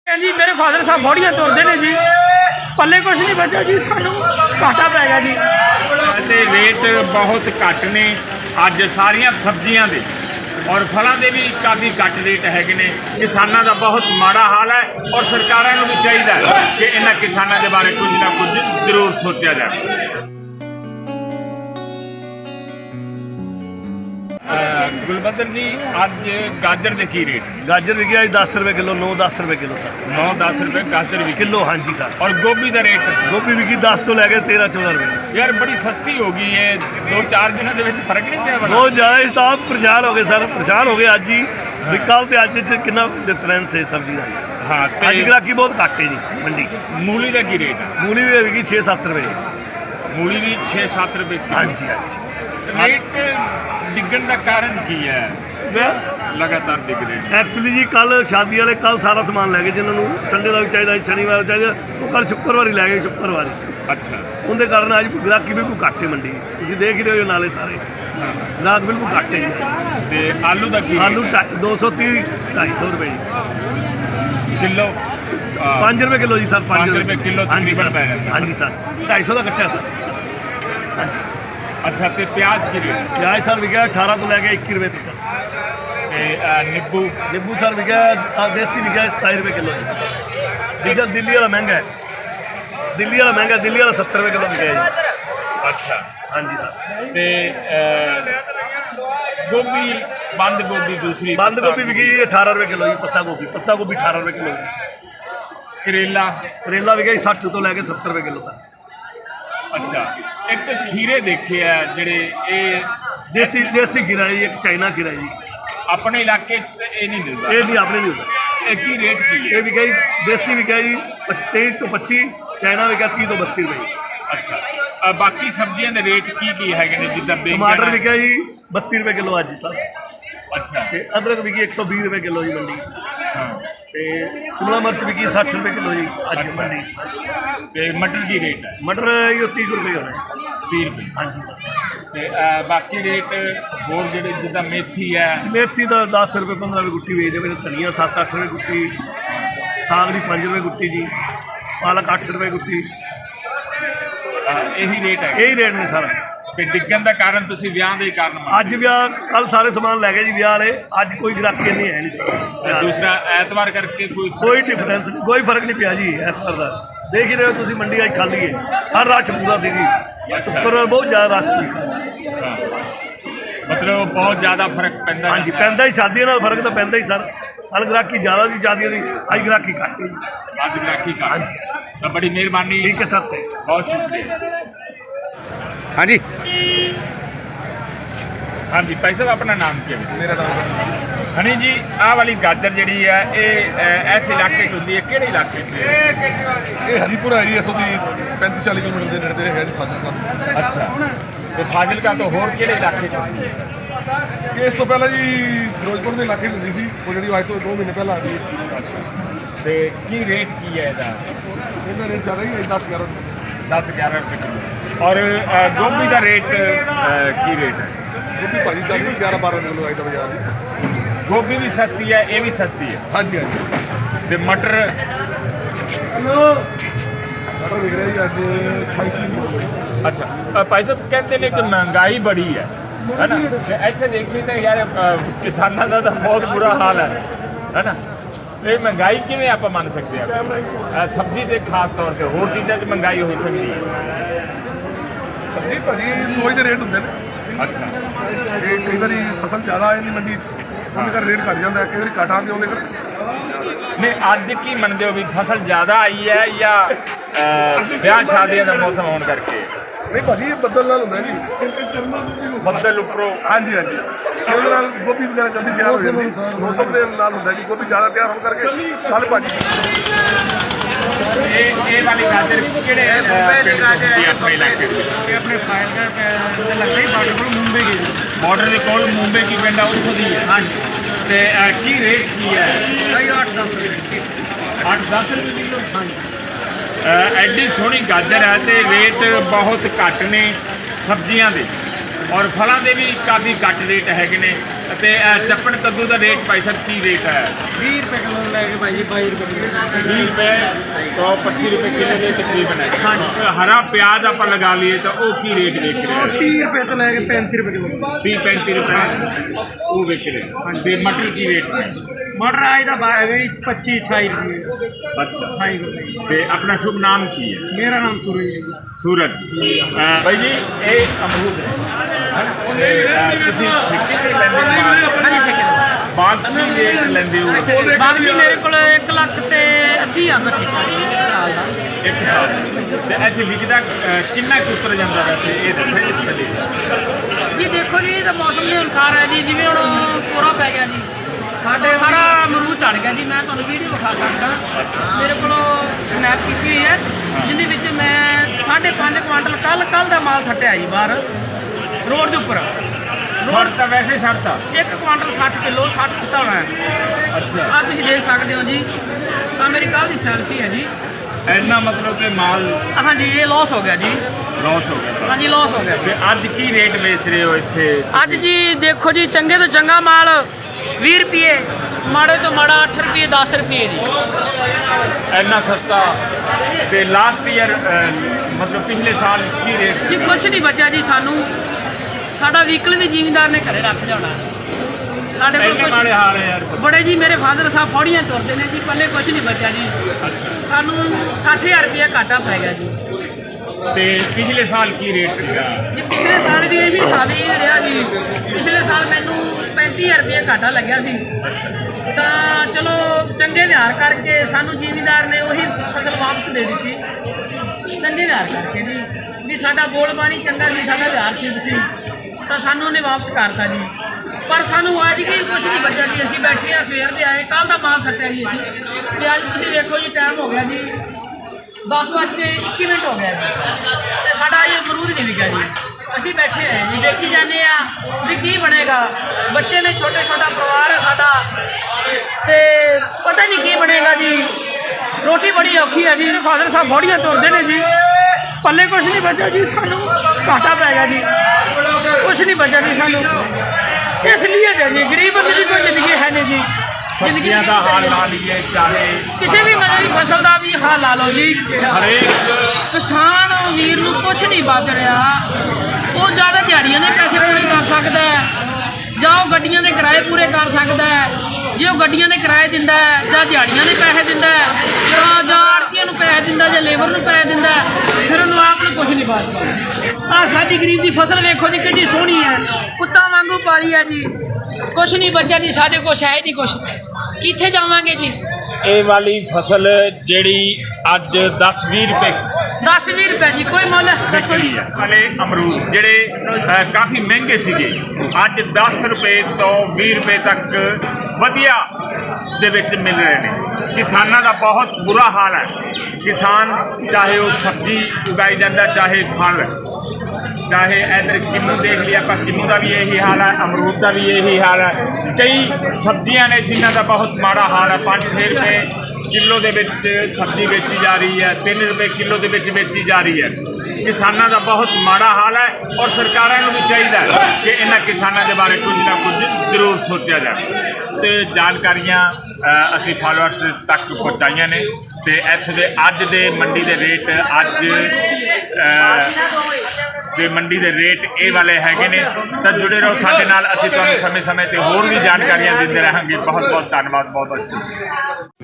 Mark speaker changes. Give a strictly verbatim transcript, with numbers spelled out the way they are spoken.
Speaker 1: जी मेरे फादर साहब बॉडियां तोड़ते हैं जी, पल्ले कुछ नहीं बचा जी, सानू घाटा पै गया जी।
Speaker 2: ते रेट बहुत घट ने अज सारिया सब्जियां दे और फलों के भी काफ़ी घट रेट है ने। किसानों का बहुत माड़ा हाल है और सरकारों को भी चाहिए कि इन्होंने किसानों के बारे कुछ ना कुछ जरूर सोचा जाए। गुलबदर जी अज गाजर के की रेट?
Speaker 3: गाजर विकी आज दस रुपये किलो, नौ दस रुपये किलो सर।
Speaker 2: नौ दस रुपये गाजर भी
Speaker 3: किलो, हाँ जी सर।
Speaker 2: और गोभी का रेट?
Speaker 3: गोभी विकी दस तो लैके तेरह चौदह रुपये।
Speaker 2: यार बड़ी सस्ती हो गई है, दो चार दिनों के फर्क नहीं पिया?
Speaker 3: बहुत ज़्यादा इस आप परेशान हो गए सर, परेशान हो गए अज ही भी कल तो अज च कितना डिफरेंस है सब्जी का।
Speaker 2: हाँ
Speaker 3: अज ग्राहकी बहुत घट है जी मंडी।
Speaker 2: मूली का की रेट है?
Speaker 3: मूली भी विकी छे सत्त रुपये।
Speaker 2: मूली भी छे सत्त रुपये?
Speaker 3: हाँ जी हाँ जी।
Speaker 2: रेट डिगन का कारण की है? लगातार डिग रहे
Speaker 3: एक्चुअली जी कल शादी वाले कल सारा समान लै गए, जिन्होंने संडे का भी चाहिए, शनिवार चाहिए, वो कल शुक्रवार ही लै गए। शुक्रवार
Speaker 2: अच्छा,
Speaker 3: उनके कारण अज ग्राहकी बिल्कुल घट है मंडी। तुम देख ही रहे हो नाले सारे ग्राहक बिल्कुल घट है जी।
Speaker 2: आलू का की?
Speaker 3: आलू दो सौ तीह ढाई सौ रुपये जी
Speaker 2: किलो?
Speaker 3: पाँच रुपये किलो जी सर।
Speaker 2: पाँच रुपये किलो?
Speaker 3: हाँ जी सर, हाँ जी सर, ढाई सौ का कट्टा सर। हाँ जी।
Speaker 2: अच्छा, तो प्याज की रेट?
Speaker 3: प्याज सर विका अठारह तो लैके इक्की रुपये तक।
Speaker 2: नींबू?
Speaker 3: नींबू सर विका देसी विका सताई रुपये किलो जी। दिल्ली दिल्ली वाला महंगा है, दिल्ली वाला महंगा, दिल्ली वाला सत्तर रुपये किलो विका जी।
Speaker 2: अच्छा,
Speaker 3: हाँ जी सर।
Speaker 2: तो गोभी, बंद गोभी दूसरी?
Speaker 3: बंद गोभी विकी अठारह रुपये किलो जी। पत्ता गोभी, पत्ता गोभी अठारह रुपये किलो जी।
Speaker 2: करेला?
Speaker 3: करेला विका सठ तो लैके सत्तर रुपये किलो तक।
Speaker 2: अच्छा, एक खीरे देखे है जेडे ये
Speaker 3: देसी देसी खीरा जी, एक चाइना खीरा जी।
Speaker 2: अपने इलाके ये नहीं मिलता?
Speaker 3: ये नहीं, अपने नहीं होता।
Speaker 2: एक ही रेट की है?
Speaker 3: ये विका जी देसी विका जी तेईस तो पच्ची, चाइना विका तीह तो बत्ती रुपये।
Speaker 2: अच्छा, बाकी सब्जियों के रेट की की है जिदा?
Speaker 3: टमाटर विका जी बत्ती रुपये किलो अज सर।
Speaker 2: अच्छा,
Speaker 3: ते अदरक विकी एक सौ भी रुपये किलो जी मंडी।
Speaker 2: हाँ,
Speaker 3: ते शिमला मिर्च विकी सठ रुपये किलो जी अज
Speaker 2: अच्छा।
Speaker 3: मंडी।
Speaker 2: ते मटर की रेट है?
Speaker 3: मटर ये तीह रुपये होने।
Speaker 2: तीह रुपये?
Speaker 3: हाँ जी सर।
Speaker 2: ते बाकी रेट होर जेडे जिदा मेथी है?
Speaker 3: मेथी का दस रुपये पंद्रह रुपये गुट्टी बेचते पे, धनिया सत्त अठ रुपये गुट्टी, साग की पाँच रुपये गुट्टी जी, पालक अठ रुपये गुट्टी।
Speaker 2: यही रेट है?
Speaker 3: यही रेट ने सर।
Speaker 2: ते डिगन का कारण तुसी विआह दे कारण?
Speaker 3: अज ब्याह कल सारे समान लै गए जी ब्याह वाले, अज कोई ग्राहकी नहीं है नहीं सर।
Speaker 2: दूसरा एतवार करके कोई
Speaker 3: कोई डिफरेंस नहीं, कोई फर्क नहीं पिया जी एतवार का। देख ही रहे हो तुम मंडी अज खाली है, हर रश पूरा सी जी। शुक्रवार बहुत ज़्यादा रश सी।
Speaker 2: मतलब बहुत ज़्यादा फर्क पैंदा?
Speaker 3: हाँ जी, पैंदा ही, शादियों नाल फर्क तो पैंदा ही सर। कल ग्राहकी ज़्यादा सी शादियों की, अज ग्राहकी घट है जी।
Speaker 2: अज ग्राहकी घट?
Speaker 3: हाँ जी,
Speaker 2: तो बड़ी मेहरबानी।
Speaker 3: ठीक है सर, थैंक यू।
Speaker 2: बहुत शुक्रिया।
Speaker 4: हाँ जी,
Speaker 2: हाँ जी, भाई साहब अपना नाम क्या है?
Speaker 5: मेरा नाम
Speaker 2: हनी जी, आह वाली गाजर जी है ये इस इलाके च होंगी है, किहड़े इलाके च?
Speaker 5: ये हरीपुर है जी, इतों की पैंतीस चालीस किलोमीटर के नेड़े है जी फाजिलका।
Speaker 2: अच्छा, तो फाजिलका तो होर किहड़े इलाके च होंदी है?
Speaker 5: ये इस तो पहले जी फिरोजपुर के इलाके होंगी सी, वो जी अज तो दो महीने पहले आ गई।
Speaker 2: अच्छा, तो की रेट की है इसका?
Speaker 5: इसका रेट चल रही है दस ग्यारह रुपये।
Speaker 2: दस ग्यारह रुपये किलो। और गोभी का रेट की रेट है?
Speaker 5: गोभी भाजी चल रही ग्यारह बारह किलो आई बाजार।
Speaker 2: गोभी भी सस्ती है, ये भी सस्ती है?
Speaker 5: हाँ जी हाँ जी।
Speaker 2: तो मटर?
Speaker 5: मटर विक रहा जी अज अठाई किलो।
Speaker 2: अच्छा, भाई साहब कहते हैं कि महंगाई बड़ी है है ना? इतने देखिए तो यार किसानों का तो बहुत बुरा हाल है है ना? ये महंगाई किमें आप मन सकते हैं? सब्जी से खास तौर पर होर चीज़ों की महंगाई हो सकती है?
Speaker 5: सब्जी भाजी रोज के रेट होंगे ने।
Speaker 2: अच्छा,
Speaker 5: ये कई बार फसल ज़्यादा आ जाती मंडी, उन्हें कर रेट घट जाता है, कई बार घट आते उन्हें कर।
Speaker 2: नहीं, अज की मनते हो भी फसल ज़्यादा आई है या ब्याह शादियों का मौसम होने करके?
Speaker 5: नहीं भाजी ये बदल नाल होंदा जी,
Speaker 2: बदल उपरों?
Speaker 5: हाँ जी हाँ जी। ਉਹਦੇ ਨਾਲ ਗੋਭੀ ਵਗੈਰਾ ਜਲਦੀ ਤਿਆਰ ਹੋ ਜਾਂਦੀ ਹੈ। ਮੌਸਮ ਦੇ ਨਾਲ ਹੁੰਦਾ ਕਿ ਗੋਭੀ ਜ਼ਿਆਦਾ ਤਿਆਰ ਹੋਣ ਕਰਕੇ ਕੱਲ ਭਾਜੀ
Speaker 2: ਇਹ ਇਹ ਵਾਲੀ ਗਾਜਰ ਕਿਹੜੇ ਪਿੰਡ ਤੋਂ ਹੁੰਦੀ ਹੈ ਆਪਣੇ ਇਲਾਕੇ ਵਿੱਚ?
Speaker 1: ये अपने फाइल लगता ही बार्डर को मुंबई के जी।
Speaker 2: ਬਾਰਡਰ ਦੇ ਕੋਲ ਮੁੰਬਈ ਕੀ ਪਿੰਡ ਆ ਉੱਥੋਂ ਦੀ ਹੈ?
Speaker 1: हाँ जी,
Speaker 2: ਤੇ ਕੀ ਰੇਟ ਕੀ ਹੈ?
Speaker 1: भाई आठ दस रुपये।
Speaker 2: ਅੱਠ ਦਸ ਰੁਪਏ ਕਿਲੋ?
Speaker 1: हाँ जी,
Speaker 2: ਐਡੀ ਸੋਹਣੀ ਗਾਜਰ ਹੈ ਤੇ ਰੇਟ ਬਹੁਤ ਘੱਟ ਨੇ ਸਬਜ਼ੀਆਂ ਦੇ और फलों के भी काफ़ी घट रेट है ने। ਤੇ ਅ, ਚੱਪਣ ਕੱਦੂ ਦਾ ਰੇਟ ਭਾਈ ਸਾਹਿਬ ਕੀ ਰੇਟ ਹੈ?
Speaker 1: ਵੀਹ ਰੁਪਏ ਕਿਲੋ ਲੈ ਕੇ ਭਾਈ ਜੀ ਬਾਈ ਰੁਪਏ ਕਿਲੋ
Speaker 2: ਵੀਹ ਰੁਪਏ ਤੋਂ ਪੱਚੀ ਰੁਪਏ ਕਿਲੋ ਦੇ ਤਕਰੀਬਨ ਹੈ। ਹਾਂਜੀ। ਹਰਾ ਪਿਆਜ਼ ਆਪਾਂ ਲਗਾ ਲਈਏ ਤਾਂ ਉਹ ਕੀ ਰੇਟ ਵੇਚ ਰਹੇ ਹੋ?
Speaker 1: ਤੀਹ ਰੁਪਏ ਤੋਂ ਲੈ ਕੇ ਪੈਂਤੀ ਰੁਪਏ ਕਿਲੋ।
Speaker 2: ਤੀਹ ਪੈਂਤੀ ਰੁਪਏ ਉਹ ਵੇਚ ਰਹੇ। ਤੇ ਮਟਰ ਕੀ ਰੇਟ ਹੈ?
Speaker 1: ਮਟਰ ਆਜ ਦਾ ਬਾਹਰ ਹੈ ਜੀ ਪੱਚੀ ਅਠਾਈ ਰੁਪਏ।
Speaker 2: ਅੱਛਾ।
Speaker 1: ਅਠਾਈ ਰੁਪਏ।
Speaker 2: ਤੇ ਆਪਣਾ ਸ਼ੁਭ ਨਾਮ ਕੀ ਹੈ?
Speaker 1: ਮੇਰਾ ਨਾਮ ਸੂਰਜ ਹੈ ਜੀ।
Speaker 2: ਸੂਰਜ। ਅ, ਬਾਈ ਜੀ ਇਹ ਅਮਰੂਦ ਹੈ ਤੇ ਅ, ਤੁਸੀਂ ਠੇਕੇ ਤੇ ਲੈਂਦੇ ਹੋ ਮਾਲ?
Speaker 1: ਹਾਂਜੀ ਠੇਕੇ ਦਾ।
Speaker 2: ਬਾਗ ਕੀ ਰੇਟ ਲੈਂਦੇ ਹੋ?
Speaker 1: ਬਾਕੀ ਜੀ ਮੇਰੇ ਕੋਲ ਇੱਕ ਲੱਖ ਤੇ ਅੱਸੀ ਹਜ਼ਾਰ ਦਾ ਠੇਕਾ ਜੀ ਇੱਕ ਸਾਲ ਦਾ।
Speaker 2: ਇੱਕ ਸਾਲ ਤੇ ਇੱਥੇ ਵਿਕਦਾ ਅ, ਕਿੰਨਾ ਕੁ ਉਤਰ ਜਾਂਦਾ ਵੈਸੇ ਇਹ ਦੱਸੋ ਇਸ ਵੇਲੇ?
Speaker 1: ਜੀ ਦੇਖੋ ਜੀ ਇਹ ਤਾਂ ਮੌਸਮ ਦੇ ਅਨੁਸਾਰ ਹੈ ਜੀ, ਜਿਵੇਂ ਹੁਣ ਕੋਰਾ ਪੈ ਗਿਆ ਜੀ ਸਾਡੇ ਸਾਰਾ ਅਮਰੂਦ ਝੜ ਗਿਆ ਜੀ। ਮੈਂ ਤੁਹਾਨੂੰ ਵੀਡੀਓ ਵਿਖਾ ਸਕਦਾ, ਮੇਰੇ ਕੋਲ ਸਨੈਪ ਕੀਤੀ ਹੋਈ ਹੈ ਜਿਹਦੇ ਵਿੱਚ ਮੈਂ ਸਾਢੇ ਪੰਜ ਕੁਆਂਟਲ ਕੱਲ ਕੱਲ ਦਾ ਮਾਲ ਸੱਟਿਆ ਜੀ ਬਾਹਰ ਰੋਡ ਦੇ ਉੱਪਰ।
Speaker 2: ਸੜ ਤਾਂ ਵੈਸੇ ਸੜਤਾ
Speaker 1: ਇੱਕ ਕੁਆਂਟਲ ਸੱਠ ਕਿਲੋ ਸੱਠ ਕਿੱਤਾ ਹੋਣਾ ਹੈ।
Speaker 2: ਅੱਛਾ।
Speaker 1: ਆਹ ਤੁਸੀਂ ਦੇਖ ਸਕਦੇ ਹੋ ਜੀ, ਤਾਂ ਮੇਰੀ ਕੱਲ ਦੀ ਸੈਲਫੀ ਹੈ ਜੀ।
Speaker 2: ਇੰਨਾ ਮਤਲਬ ਕਿ ਮਾਲ
Speaker 1: ਹਾਂਜੀ ਇਹ ਲਾਸ ਹੋ ਗਿਆ ਜੀ।
Speaker 2: ਲਾਸ ਹੋ ਗਿਆ।
Speaker 1: ਹਾਂਜੀ ਲਾਸ ਹੋ ਗਿਆ।
Speaker 2: ਤੇ ਅੱਜ ਕੀ ਰੇਟ ਵੇਚ ਰਹੇ ਹੋ ਇੱਥੇ?
Speaker 1: ਅੱਜ ਜੀ ਦੇਖੋ ਜੀ ਚੰਗੇ ਤੋਂ ਚੰਗਾ ਮਾਲ ਵੀਹ ਰੁਪਏ, ਮਾੜੇ ਤੋਂ ਮਾੜਾ ਅੱਠ ਰੁਪਏ ਦਸ ਰੁਪਏ ਜੀ।
Speaker 2: ਇੰਨਾ ਸਸਤਾ। ਤੇ ਲਾਸਟ ਈਅਰ ਮਤਲਬ ਪਿਛਲੇ ਸਾਲ ਕੀ ਰੇਟ
Speaker 1: ਜੀ ਕੁਛ ਨਹੀਂ ਬਚਿਆ ਜੀ ਸਾਨੂੰ। ਸਾਡਾ ਵਹੀਕਲ ਵੀ ਜ਼ਿਮੀਂਦਾਰ ਨੇ ਘਰੇ ਰੱਖ ਜਾਣਾ। ਸਾਡੇ ਕੋਲ
Speaker 2: ਇੰਨੇ ਮਾੜੇ
Speaker 1: ਕੁਛ
Speaker 2: ਹਾਲ ਹੈ ਯਾਰ।
Speaker 1: ਬੜੇ ਜੀ, ਮੇਰੇ ਫਾਦਰ ਸਾਹਿਬ ਫੌੜੀਆਂ ਤੁਰਦੇ ਨੇ ਜੀ, ਪੱਲੇ ਕੁਛ ਨਹੀਂ ਬਚਿਆ ਜੀ। ਸਾਨੂੰ ਸੱਠ ਹਜ਼ਾਰ ਰੁਪਏ ਘਾਟਾ ਪੈ ਗਿਆ ਜੀ।
Speaker 2: ਤੇ ਪਿਛਲੇ ਸਾਲ ਕੀ ਰੇਟ ਸੀਗਾ?
Speaker 1: ਜੀ ਪਿਛਲੇ ਸਾਲ ਵੀ ਇਹੀ ਹਿਸਾਬ ਹੀ ਰਿਹਾ ਜੀ। ਪਿਛਲੇ ਸਾਲ ਮੈਨੂੰ ਪੈਂਤੀ ਹਜ਼ਾਰ ਰੁਪਏ ਘਾਟਾ ਲੱਗਿਆ ਸੀ। ਤਾਂ ਚਲੋ ਚੰਗੇ ਵਿਹਾਰ ਕਰਕੇ ਸਾਨੂੰ ਜ਼ਿਮੀਂਦਾਰ ਨੇ ਉਹੀ ਫਸਲ ਵਾਪਸ ਦੇ ਦਿੱਤੀ। ਚੰਗੇ ਵਿਹਾਰ ਕਰਕੇ ਜੀ, ਵੀ ਸਾਡਾ ਬੋਲ ਬਾਣੀ ਚੰਗਾ ਸੀ, ਸਾਡਾ ਵਿਹਾਰ ਠੀਕ ਸੀ, ਤਾਂ ਸਾਨੂੰ ਉਹਨੇ ਵਾਪਸ ਕਰਤਾ ਜੀ। ਪਰ ਸਾਨੂੰ ਅੱਜ ਵੀ ਕੁਛ ਨਹੀਂ ਬਚਿਆ ਜੀ। ਅਸੀਂ ਬੈਠੇ ਆ, ਸਵੇਰ ਦੇ ਆਏ, ਕੱਲ ਦਾ ਮਾਲ ਸੱਟਿਆ ਜੀ ਅਸੀਂ। ਤੇ ਅੱਜ ਤੁਸੀਂ ਵੇਖੋ ਜੀ ਟਾਈਮ ਹੋ ਗਿਆ ਜੀ ਦਸ ਵੱਜ ਕੇ ਇੱਕੀ ਮਿੰਟ ਹੋ ਗਿਆ ਜੀ, ਤੇ ਸਾਡਾ ਇਹ ਅਮਰੂਦ ਨਹੀਂ ਵਿਕਿਆ ਜੀ। ਅਸੀਂ ਬੈਠੇ ਹੋਏ ਜੀ, ਦੇਖੀ ਜਾਂਦੇ ਆ ਵੀ ਕੀ ਬਣੇਗਾ। ਬੱਚੇ ਨੇ, ਛੋਟੇ ਛੋਟਾ ਪਰਿਵਾਰ ਹੈ ਸਾਡਾ, ਤੇ ਪਤਾ ਨਹੀਂ ਕੀ ਬਣੇਗਾ ਜੀ। ਰੋਟੀ ਬੜੀ ਔਖੀ ਹੈ ਜੀ। ਫਾਦਰ ਸਾਹਿਬ ਫੌੜੀਆਂ ਤੁਰਦੇ ਨੇ ਜੀ, ਪੱਲੇ ਕੁਛ ਨਹੀਂ ਬਚਿਆ ਜੀ। ਸਾਨੂੰ ਘਾਟਾ ਪੈ ਗਿਆ ਜੀ, ਕੁਛ ਨਹੀਂ ਬਚਿਆ ਜੀ ਸਾਨੂੰ। ਇਸ ਲਈ ਹੈ ਜੀ ਗਰੀਬ ਬੰਦੇ ਦੀ ਕੋਈ ਜ਼ਿੰਦਗੀ ਹੈ ਨਹੀਂ ਜੀ।
Speaker 2: ਸਬਜ਼ੀਆਂ ਦਾ ਹਾਲ ਲਾ ਲਈਏ, ਚਾਹੇ
Speaker 1: ਕਿਸੇ ਵੀ ਮਤਲਬ ਦੀ ਫਸਲ ਦਾ ਵੀ ਹਾਲ ਲਾ ਲਓ ਜੀ।
Speaker 2: ਹਰੇਕ
Speaker 1: ਕਿਸਾਨ ਵੀਰ ਨੂੰ ਕੁਛ ਨਹੀਂ ਬਚ ਰਿਹਾ। ਉਹ ਜ਼ਿਆਦਾ ਦਿਹਾੜੀਆਂ ਦੇ ਪੈਸੇ ਪੂਰੇ ਕਰ ਸਕਦਾ ਹੈ, ਜਾਂ ਉਹ ਗੱਡੀਆਂ ਦੇ ਕਿਰਾਏ ਪੂਰੇ ਕਰ ਸਕਦਾ ਹੈ। ਜੇ ਉਹ ਗੱਡੀਆਂ ਦੇ ਕਿਰਾਏ ਦਿੰਦਾ ਹੈ, ਜਾਂ ਦਿਹਾੜੀਆਂ ਦੇ ਪੈਸੇ ਦਿੰਦਾ ਹੈ, ਜਾਂ ਜਾਂ ਆੜ੍ਹਤੀਆਂ ਨੂੰ ਪੈਸੇ ਦਿੰਦਾ, ਜਾਂ ਲੇਬਰ ਨੂੰ ਪੈਸੇ ਦਿੰਦਾ, ਫਿਰ ਉਹਨੂੰ ਆਪ ਨੂੰ ਕੁਛ ਨਹੀਂ ਬਚਦਾ। ਆਹ ਸਾਡੀ ਗਰੀਬ ਦੀ ਫਸਲ ਵੇਖੋ ਜੀ ਕਿੰਨੀ ਸੋਹਣੀ ਹੈ, ਕੁੱਤਾ ਵਾਂਗੂ ਪਾਲੀ ਹੈ ਜੀ। ਕੁਛ ਨਹੀਂ ਬਚਿਆ ਜੀ, ਸਾਡੇ ਕੁਛ ਹੈ ਹੀ ਨਹੀਂ ਕੁਛ। ਕਿੱਥੇ ਜਾਵਾਂਗੇ ਜੀ?
Speaker 2: ਇਹ ਵਾਲੀ ਫਸਲ ਜਿਹੜੀ ਅੱਜ ਦਸ ਵੀਹ ਰੁਪਏ
Speaker 1: ਦਸ ਵੀਹ ਰੁਪਏ ਜੀ, ਕੋਈ ਮੁੱਲ ਦੱਸੋ ਜੀ।
Speaker 2: ਵਾਲੇ ਅਮਰੂਦ ਜਿਹੜੇ ਅ, ਕਾਫੀ ਮਹਿੰਗੇ ਸੀਗੇ, ਅੱਜ ਦਸ ਰੁਪਏ ਤੋਂ ਵੀਹ ਰੁਪਏ ਤੱਕ ਵਧੀਆ ਦੇ ਵਿੱਚ ਮਿਲ ਰਹੇ ਨੇ। ਕਿਸਾਨਾਂ ਦਾ ਬਹੁਤ ਬੁਰਾ ਹਾਲ ਹੈ। ਕਿਸਾਨ ਚਾਹੇ ਉਹ ਸਬਜ਼ੀ ਉਗਾਈ ਜਾਂਦਾ, ਚਾਹੇ ਫਲ, ਚਾਹੇ ਇੱਧਰ ਕਿੰਨੂ ਦੇਖ ਲਿਆ ਆਪਾਂ, ਕਿੰਨੂ ਦਾ ਵੀ ਇਹੀ ਹਾਲ ਹੈ, ਅਮਰੂਦ ਦਾ ਵੀ ਇਹੀ ਹਾਲ ਹੈ। ਕਈ ਸਬਜ਼ੀਆਂ ਨੇ ਜਿਨ੍ਹਾਂ ਦਾ ਬਹੁਤ ਮਾੜਾ ਹਾਲ ਹੈ। ਪੰਜ ਛੇ ਰੁਪਏ ਕਿਲੋ ਦੇ ਵਿੱਚ ਸਬਜ਼ੀ ਵੇਚੀ ਜਾ ਰਹੀ ਹੈ, ਤਿੰਨ ਰੁਪਏ ਕਿਲੋ ਦੇ ਵਿੱਚ ਵੇਚੀ ਜਾ ਰਹੀ ਹੈ। ਕਿਸਾਨਾਂ ਦਾ ਬਹੁਤ ਮਾੜਾ ਹਾਲ ਹੈ, ਔਰ ਸਰਕਾਰਾਂ ਨੂੰ ਵੀ ਚਾਹੀਦਾ ਹੈ ਕਿ ਇਹਨਾਂ ਕਿਸਾਨਾਂ ਦੇ ਬਾਰੇ ਕੁਝ ਨਾ ਕੁਝ ਜ਼ਰੂਰ ਸੋਚਿਆ ਜਾਵੇ। ਤੇ ਜਾਣਕਾਰੀਆਂ ਅ, ਅਸੀਂ ਫਾਲੋਅਰਸ ਤੱਕ ਪਹੁੰਚਾਈਆਂ ਨੇ। ਤੇ ਇੱਥੇ ਦੇ ਅੱਜ ਦੇ ਮੰਡੀ ਦੇ ਰੇਟ ਅੱਜ ਅ, ਦੇ ਮੰਡੀ ਦੇ ਰੇਟ ਇਹ ਵਾਲੇ ਹੈਗੇ ਨੇ। ਤਾਂ ਜੁੜੇ ਰਹੋ ਸਾਡੇ ਨਾਲ, ਅਸੀਂ ਤੁਹਾਨੂੰ ਸਮੇਂ ਸਮੇਂ ਤੇ ਹੋਰ ਵੀ ਜਾਣਕਾਰੀਆਂ ਦਿੰਦੇ ਰਹਾਂਗੇ। ਬਹੁਤ ਬਹੁਤ ਧੰਨਵਾਦ, ਬਹੁਤ ਬਹੁਤ ਸ਼ੁਕਰੀਆ।